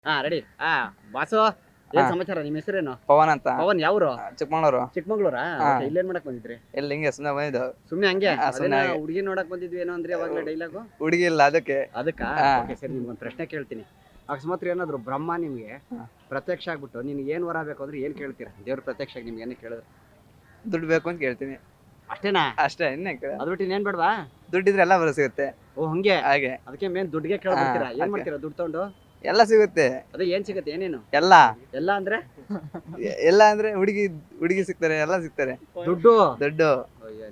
ಹಾ ready. Boss ಏನ್ ಹಾ. ಸಮಾಚಾರ? ನಿಮ್ಮ ಹೆಸರೇನು? ಪವನ್ ಅಂತ ಪವನ್ ಯಾವ್ರು? ಚಿಕ್ಕಮಂಗ್ಳೂರು. ಚಿಕ್ಕಮಂಗ್ಳೂರಾ? ಹಾ. Okay, ಇಲ್ಲೇನ್ ಮಾಡಕ್ ಬಂದಿದ್ರಿ? ಎಲ್ಲಿ ಹಿಂಗೆ ಸುಮ್ಮನೆ ಬಂದಿದ್ದು. ಸುಮ್ನೆ ಹಂಗೆ ಸುಮ್ನೆ ಹಾಗೆ. ಹುಡುಗಿ ನೋಡಕ್ ಬಂದಿದ್ವಿ ಏನೋ ಅಂದ್ರೆ ಅವಾಗ್ಲೇ ಡೈಲಾಗು ಹುಡುಗಿ ಇಲ್ಲ ಅದಕ್ಕೆ. ಅದಕ್ಕ ಹಾ. ಓಕೆ ಸರಿ, ನಿಮ್ಗೊಂದು ಪ್ರಶ್ನೆ ಕೇಳ್ತೀನಿ. ಅಕಸ್ಮಾತ್ ಏನಾದ್ರು ಬ್ರಹ್ಮ ನಿಮ್ಗೆ ಹಾ. ಪ್ರತ್ಯಕ್ಷ ಆಗ್ಬಿಟ್ಟು ನಿನ್ಗೆ ಏನ್ ವರ ಬೇಕು ಅಂದ್ರೆ ಏನ್ ಕೇಳ್ತೀರಾ? ದೇವ್ರ ಪ್ರತ್ಯಕ್ಷ ಆಗಿ ನಿಮ್ಗೆ ಏನೇ ಕೇಳಿದ್ರೆ ದುಡ್ಡು ಬೇಕು ಅಂತ ಕೇಳ್ತೀನಿ ಅಷ್ಟೇನಾ? ಅಷ್ಟೇ. ಇನ್ನೇ ಅದ್ ಬಿಟ್ಟು ಇನ್ನೇನ್ ಬೇಡವಾ? ದುಡ್ಡಿದ್ರೆ ಎಲ್ಲ ಬರೋ ಸಿಗುತ್ತೆ. ಓ ಹಂಗೆ. ಹಾಗೆ ಅದಕ್ಕೆ ಮೇನ್ ದುಡ್ಡಿಗೆ ಕೇಳ್ಬಿಡ್ತೀರಾ? ಹಾ, ಏನ್ ಅದ್ಕೆ. ಮಾಡ್ತೀರಾ ದುಡ್ಡು ತಗೊಂಡು? ಎಲ್ಲ ಸಿಗುತ್ತೆ. ಅದೇ ಏನ್ ಸಿಗುತ್ತೆ? ಏನೇನು ಎಲ್ಲ ಎಲ್ಲ ಅಂದ್ರೆ? ಎಲ್ಲ ಅಂದ್ರೆ ಹುಡುಗಿ ಸಿಗ್ತಾರೆ, ಎಲ್ಲ ಸಿಗ್ತಾರೆ. ದುಡ್ಡು. ದುಡ್ಡು ಅಯ್ಯ,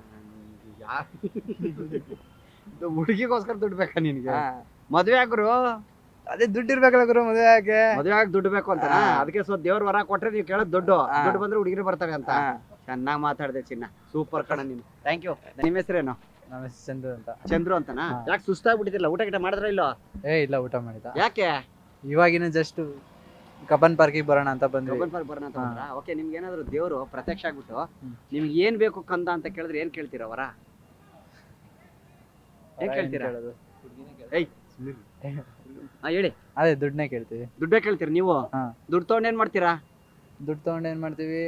ಹುಡುಗಿಗೋಸ್ಕರ ದುಡ್ಡು ಬೇಕಾ ನಿನ್ಗೆ? ಹಾ. ಮದ್ವೆ ಆಗ್ರು ಅದೇ ದುಡ್ಡು ಇರ್ಬೇಕಲ್ಲ ಗುರು ಮದುವೆ ಆಗಿ. ಮದ್ವೆ ಆಗಿ ದುಡ್ಡು ಬೇಕು ಅಂತ. ಹಾ. ಅದಕ್ಕೆ ಸ್ವಲ್ಪ ದೇವ್ರ ವರ ಕೊಟ್ರೆ ನೀವು ಕೇಳೋದು ದುಡ್ಡು. ಹಾ. ದುಡ್ಡು ಬಂದ್ರೆ ಹುಡುಗಿರು ಬರ್ತಾರೆ ಅಂತ. ಹಾ. ಚೆನ್ನಾಗಿ ಮಾತಾಡ್ದೆ ಚಿನ್ನ, ಸೂಪರ್ ಕಣ ನೀನು. Thank you. ನಿಮ್ಮ ಹೆಸರೇನು? ನಮ್ಮ ಹೆಸರು ಚಂದ್ರು ಅಂತ. ಚಂದ್ರು ಅಂತನಾ? ಹಾ. ಯಾಕೆ ಸುಸ್ತಾಗ್ಬಿಟ್ಟಿದ್ದಿಲ್ಲ? ಊಟ ಗಿಟ ಮಾಡಿದ್ರ ಇಲ್ಲೋ? ಇಲ್ಲ, ಊಟ ಮಾಡಿದ. ಯಾಕೆ? ಇವಾಗಿನ ಜಸ್ಟ್ ಕಬ್ಬನ್ ಪಾರ್ಕಿಗೆ ಬರೋಣ ಅಂತ ಬಂದ್ವಿ. ಗೌಬನ್ ಪಾರ್ಕ್ ಬರೋಣ ಅಂತ ಬಂದ್ರಾ? ಓಕೆ, ನಿಮ್ಗೆ ಏನಾದ್ರು ದೇವ್ರು ಪ್ರತ್ಯಕ್ಷ ಆಗ್ಬಿಟ್ಟು ಹ್ಮ್. ನಿಮ್ಗೆ ಏನ್ ಬೇಕು ಕಂದ ಅಂತ ಕೇಳಿದ್ರೆ ಏನ್ ಕೇಳ್ತೀರಾ ವರ? ಏನ್ ಕೇಳ್ತೀರಾ? ಕೇಳೋದು? ಏಯ್ ಹೇಳಿ. ಅದೇ ದುಡ್ಡನ್ನೇ ಕೇಳ್ತೀವಿ. ದುಡ್ಡೇ ಕೇಳ್ತೀರಾ ನೀವು? ಹಾ. ದುಡ್ಡು ತಗೊಂಡ್ ಏನ್ ಮಾಡ್ತೀರಾ? ದುಡ್ಡು ತಗೊಂಡು ಏನ್ ಮಾಡ್ತೀವಿ,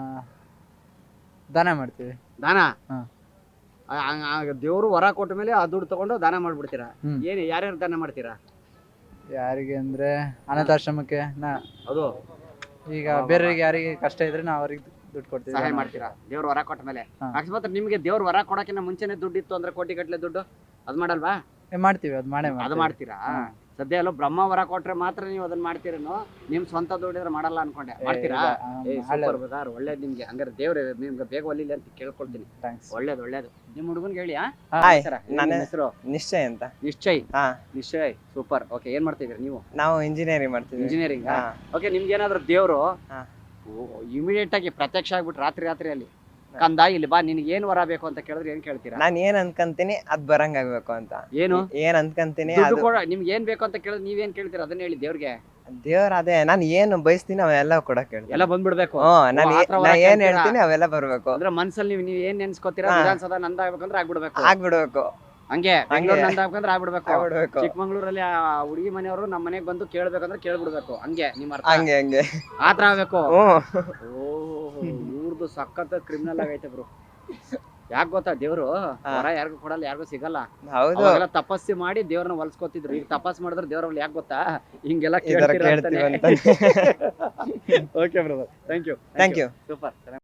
ದಾನ ಮಾಡ್ತೀವಿ. ದಾನ? ಹಾ. ದೇವ್ರು ವರ ಕೊಟ್ಟ ಮೇಲೆ ಆ ದುಡ್ಡು ತಗೊಂಡು ದಾನ ಮಾಡ್ಬಿಡ್ತೀರಾ? ಹ್ಮ್. ಏನ್ ಯಾರ್ಯಾರು ದಾನ ಮಾಡ್ತೀರಾ? ಯಾರಿಗೆ ಅಂದ್ರೆ ಅನಾಥಾಶ್ರಮಕ್ಕೆ ಅದು ಈಗ ಬೇರೆಯವ್ರಿಗೆ ಯಾರಿಗೆ ಕಷ್ಟ ಇದ್ರೆ ನಾವು ಅವ್ರಿಗೆ ದುಡ್ಡು ಕೊಡ್ತೀವಿ. ಸಹಾಯ ದಾನ ಮಾಡ್ತೀರಾ ದೇವ್ರ ವರ ಕೊಟ್ಟ ಮೇಲೆ? ಹಾ. ಅಕಸ್ಮಾತ್ ನಿಮ್ಗೆ ದೇವ್ರ ವರ ಕೊಡಕ್ಕಿಂತ ಮುಂಚೆನೆ ದುಡ್ಡು ಇತ್ತು ಅಂದ್ರೆ ಕೋಟಿ ಗಟ್ಲೆ ದುಡ್ಡು ಅದ್ ಮಾಡಲ್ವಾ? ಮಾಡ್ತೀವಿ, ಅದು ಮಾಡೇ ಅದು ಮಾಡ್ತೀವಿ. ಮಾಡ್ತೀರಾ? ಹಾ. ಸದ್ಯ ಎಲ್ಲೋ ಬ್ರಹ್ಮ ವರ ಕೊಟ್ರೆ ಮಾತ್ರ ನೀವು ಅದನ್ನ ಮಾಡ್ತೀರೇನೋ? ನಿಮ್ ಸ್ವಂತ ದುಡ್ಡಿದ್ರೆ ಮಾಡಲ್ಲ ಅನ್ಕೊಂಡೆ. ಮಾಡ್ತೀರಾ? ಸೂಪರ್ ಬದಾರ್, ಒಳ್ಳೇದ್ ನಿಮ್ಗೆ. ಹಂಗಾರೆ ದೇವ್ರೆ ನಿಮ್ಗೆ ಬೇಗ ಒಲಿಲಿ ಅಂತ ಕೇಳ್ಕೊಳ್ತೀನಿ. ಥ್ಯಾಂಕ್ಸ್. ಒಳ್ಳೇದು. ನಿಮ್ ಹುಡುಗನ್ಗೆ ಹೇಳಿ. ಹಾಯ್, ನನ್ನ ನನ್ನ ಹೆಸರು ನಿಶ್ಚಯ್ ಅಂತ. ನಿಶ್ಚಯ್. ಹಾ, ನಿಶ್ಚಯ್ ಸೂಪರ್. ಓಕೆ, ಏನ್ ಮಾಡ್ತಿದ್ರಿ ನೀವು? ನಾವು ಇಂಜಿನಿಯರಿಂಗ್ ಮಾಡ್ತಿದ್ವಿ. ಇಂಜಿನಿಯರಿಂಗ್. ಹಾ. ಓಕೆ, ನಿಮ್ಗೆ ಏನಾದ್ರು ದೇವ್ರು ಹಾ. ಇಮಿಡಿಯೇಟ್ ಆಗಿ ಪ್ರತ್ಯಕ್ಷ ಆಗ್ಬಿಟ್ಟು ರಾತ್ರಿಯಲ್ಲಿ ಕಂದ ಇಲ್ಲಿ ಬಾ, ನಿನ್ಗೆ ಏನ್ ವರ ಬೇಕು ಅಂತ ಕೇಳಿದ್ರೆ ಏನ್ ಕೇಳ್ತೀರಾ? ನಾನ್ ಏನ್ ಅನ್ಕಂತೀನಿ ಅದ್ ಬರಂಗ್ ಆಗ್ಬೇಕು ಅಂತ. ಏನು ಏನ್ ಅನ್ಕಂತೀನಿ ದುಡ್ಡು ಅದು ಕೊಡ, ನಿಮ್ಗೆ ಏನ್ ಬೇಕು ಅಂತ ಕೇಳಿದ್ರೆ ನೀವೇನ್ ಕೇಳ್ತೀರಾ? ಅದನ್ನ ಹೇಳಿ ದೇವ್ರಿಗೆ. ದೇವ್ರ ಅದೇ ನಾನ್ ಏನು ಬಯಸ್ತೀನಿ ಅವೆಲ್ಲ ಕೊಡಕ್ ಹೇಳ್ತೀನಿ. ಎಲ್ಲ ಬಂದ್ಬಿಡ್ಬೇಕು. ನಾನ್ ಆ ಥರ ವರ ಏನ್ ಕೇಳ್ತೀರಾ? ಹೇಳ್ತೀನಿ ಅವೆಲ್ಲ ಬರ್ಬೇಕು. ಅಂದ್ರೆ ಮನ್ಸಲ್ಲಿ ನೀವ್ ಏನ್ ನೆನ್ಸ್ಕೊತೀರಾ? ಹಾ. ವಿಧಾನಸೌಧ ನಂದ ಆಗ್ಬೇಕಂದ್ರೆ ಆಗ್ಬಿಡ್ಬೇಕು. ಆಗ್ಬಿಡ್ಬೇಕು. ಹಂಗೆ ಬೆಂಗಳೂರು ನಂದ ಆಗ್ಬೇಕಂದ್ರೆ ಆಗ್ಬಿಡ್ಬೇಕು. ಆಗ್ಬಿಡ್ಬೇಕು. ಚಿಕ್ಕಮಂಗ್ಳೂರಲ್ಲಿ ಆ ಹುಡುಗಿ ಮನೆಯವರು ನಮ್ಮ ಮನೆಗ್ ಬಂದು ಕೇಳ್ಬೇಕಂದ್ರೆ ಕೇಳ್ಬಿಡ್ಬೇಕು. ಹಂಗೆ ನಿಮ್ಮ ಅರ್ಥ? ಹಂಗೆ ಆತರ ಆಗ್ಬೇಕು. ಹ್ಮ್. ಓಹ್, ಇವ್ರದ್ದು ಸಖತ್ ಕ್ರಿಮಿನಲ್ ಆಗೈತೆ ಬ್ರೋ. ಯಾಕೆ ಗೊತ್ತಾ? ದೇವ್ರು ವರ ಯಾರಿಗೂ ಕೊಡಲ್ಲ, ಯಾರಿಗೂ ಸಿಗಲ್ಲ. ಹೌದು. ಅವಾಗೆಲ್ಲ ತಪಸ್ಸು ಮಾಡಿ ದೇವ್ರನ್ನ ಹೊಲ್ಸ್ಕೊತಿದ್ರು. ಈಗ ತಪಸ್ ಮಾಡಿದ್ರೆ ದೇವ್ರಲ್ಲಿ ಯಾಕೆ ಗೊತ್ತಾ? ಹಿಂಗೆಲ್ಲ ಈ ತರ ಕೇಳ್ತೀರಾ ಕೇಳ್ತೀವಿ ಅಂತಾನೆ. ಅಂತ. Okay brother, thank you. Thank you. Super.